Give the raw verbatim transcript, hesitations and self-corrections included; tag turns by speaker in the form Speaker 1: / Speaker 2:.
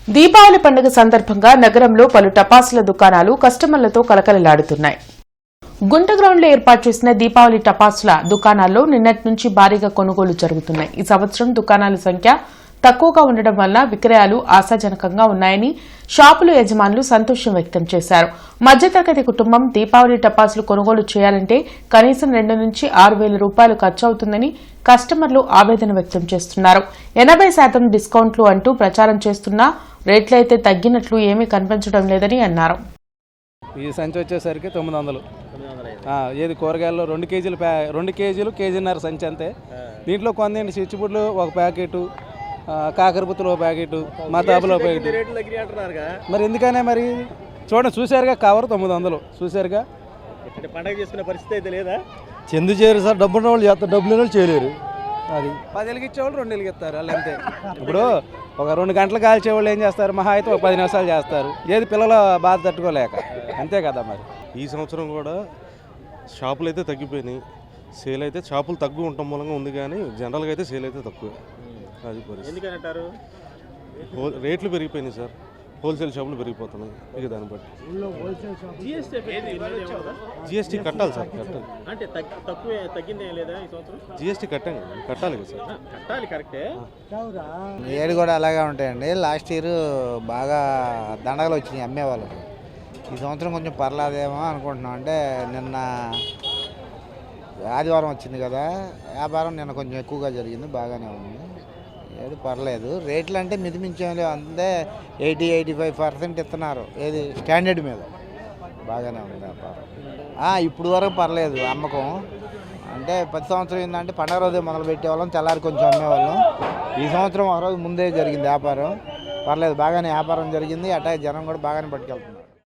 Speaker 1: దీపావళి పండుగ సందర్భంగా నగరంలో పలు టపాసుల దుకాణాలు కస్టమర్లతో కలకలలాడుతున్నాయి. గుంట గ్రౌండ్లో ఏర్పాటు చేసిన దీపావళి టపాసుల దుకాణాల్లో నిన్నటి నుంచి భారీగా కొనుగోలు జరుగుతున్నాయి. ఈ సంవత్సరం దుకాణాల సంఖ్య తక్కువగా ఉండడం వల్ల విక్రయాలు ఆశాజనకంగా ఉన్నాయని షాపుల యజమానులు సంతోషం వ్యక్తం చేశారు. మధ్యతరగతి కుటుంబం దీపావళి టపాసులు కొనుగోలు చేయాలంటే కనీసం రెండు నుంచి ఆరు వేల రూపాయలు ఖర్చు అవుతుందని కస్టమర్లు ఆవేదన వ్యక్తం చేస్తున్నారు. ఎనభై శాతం డిస్కౌంట్లు అంటూ ప్రచారం చేస్తున్నా రేట్లయితే తగ్గినట్లు ఏమీ కనిపించడం లేదని అన్నారు.
Speaker 2: ఈ సంచి వచ్చేసరికి తొమ్మిది వందలు ఏది కూరగాయల్లో రెండు కేజీలు రెండు కేజీలు కేజీన్నర సంచి అంతే. దీంట్లో కొందేంటి చిచ్చుపుడ్లు ఒక ప్యాకెట్, కాకరపుత్తులు ఒక ప్యాకెట్, మతాబులు ఒక ప్యాకెట్. మరి ఎందుకనే మరి చూడండి, చూసారుగా కవర్ తొమ్మిది వందలు చూసారుగా.
Speaker 3: పండగ చేసుకునే పరిస్థితి అయితే లేదా?
Speaker 4: చెందు చేయరు సార్, డబ్బున్న వాళ్ళు చేస్తారు, డబ్బులు వాళ్ళు చేయలేరు. అది
Speaker 2: పది ఎలుగు ఇచ్చేవాళ్ళు రెండు ఎలుగు ఇస్తారు వాళ్ళు అంతే. ఇప్పుడు ఒక రెండు గంటలు కాల్చేవాళ్ళు ఏం చేస్తారు, మహా అయితే ఒక పది నిమిషాలు చేస్తారు. ఏది పిల్లల బాధ తట్టుకోలేక, అంతే కదా. మరి
Speaker 5: ఈ సంవత్సరం కూడా షాపులు అయితే తగ్గిపోయినాయి, సేల్ అయితే షాపులు తక్కువ ఉండటం మూలంగా ఉంది, కానీ జనరల్గా అయితే సేల్ అయితే తక్కువ. అది పరిస్థితి. హోల్ రేట్లు పెరిగిపోయినాయి సార్, హోల్సేల్ షాపులు పెరిగిపోతున్నాయి. ఇక దాన్ని బట్టి జిఎస్టీ కట్టాలి సార్, కట్టాలి.
Speaker 3: అంటే తక్కువ తగ్గిందే లేదా ఈ సంవత్సరం?
Speaker 5: జిఎస్టీ కట్టాం కదా, కట్టాలి కదా సార్.
Speaker 3: కట్టాలి, కరెక్టే.
Speaker 6: ఏడు కూడా అలాగే ఉంటాయండి. లాస్ట్ ఇయర్ బాగా దండగలు వచ్చినాయి అమ్మేవాళ్ళకి. ఈ సంవత్సరం కొంచెం పర్లేదేమో అనుకుంటున్నాం. అంటే నిన్న ఆదివారం వచ్చింది కదా, వ్యాపారం నిన్న కొంచెం ఎక్కువగా జరిగింది, బాగానే ఉంది. ఏడు పర్లేదు. రేట్లు అంటే మితిమించేం అంతే, ఎయిటీ ఎయిటీ ఫైవ్ పర్సెంట్ ఇస్తున్నారు. ఏది స్టాండర్డ్ మీద బాగానే ఉంది వ్యాపారం. ఇప్పుడు వరకు పర్లేదు అమ్మకం. అంటే ప్రతి సంవత్సరం ఏంటంటే పండగ రోజే మొదలు పెట్టేవాళ్ళం, తెల్లారి కొంచెం అమ్మేవాళ్ళం. ఈ సంవత్సరం ఒక రోజు ముందే జరిగింది వ్యాపారం. పర్లేదు, బాగానే వ్యాపారం జరిగింది. అట్లా జనం కూడా బాగానే పట్టుకెళ్తున్నారు.